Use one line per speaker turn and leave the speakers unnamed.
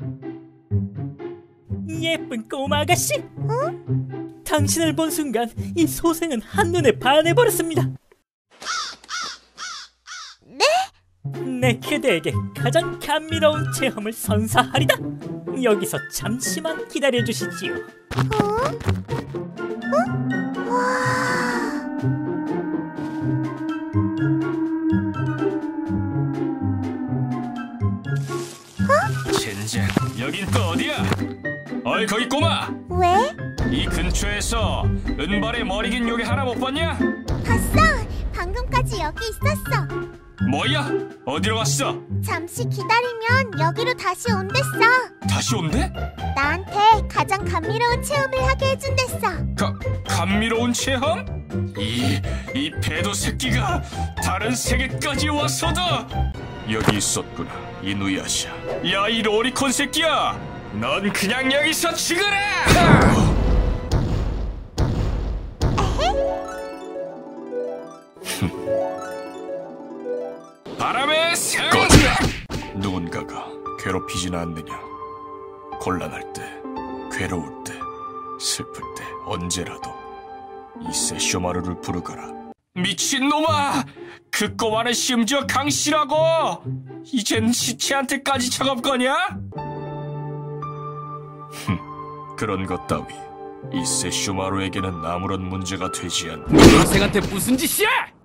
예쁜 꼬마 아가씨, 당신을 본 순간 이 소생은 한눈에 반해버렸습니다.
네?
내 그대에게 가장 감미로운 체험을 선사하리다. 여기서 잠시만 기다려주시지요.
젠장, 여긴 또 어디야? 어이 거기 꼬마!
왜?
이 근처에서 은발의 머리 긴 요괴 하나 못 봤냐?
봤어! 방금까지 여기 있었어.
뭐야? 어디로 갔어?
잠시 기다리면 여기로 다시 온댔어.
다시 온대?
나한테 가장 감미로운 체험을 하게 해준댔어.
감미로운 체험? 이 배도 새끼가 다른 세계까지 와서도 여기 있었구나, 이누야샤. 야, 이 로리콘 새끼야! 넌 그냥 여기서 죽어라! 바람의 생! 누군가가 괴롭히진 않느냐? 곤란할 때, 괴로울 때, 슬플 때 언제라도 이 세쇼마루를 부르거라. 미친놈아! 그 꼬마는 심지어 강씨라고! 이젠 시체한테까지 작업 거냐? 그런 것 따위 이 세쇼마루에게는 아무런 문제가 되지 않는다.
학생한테 무슨 짓이야?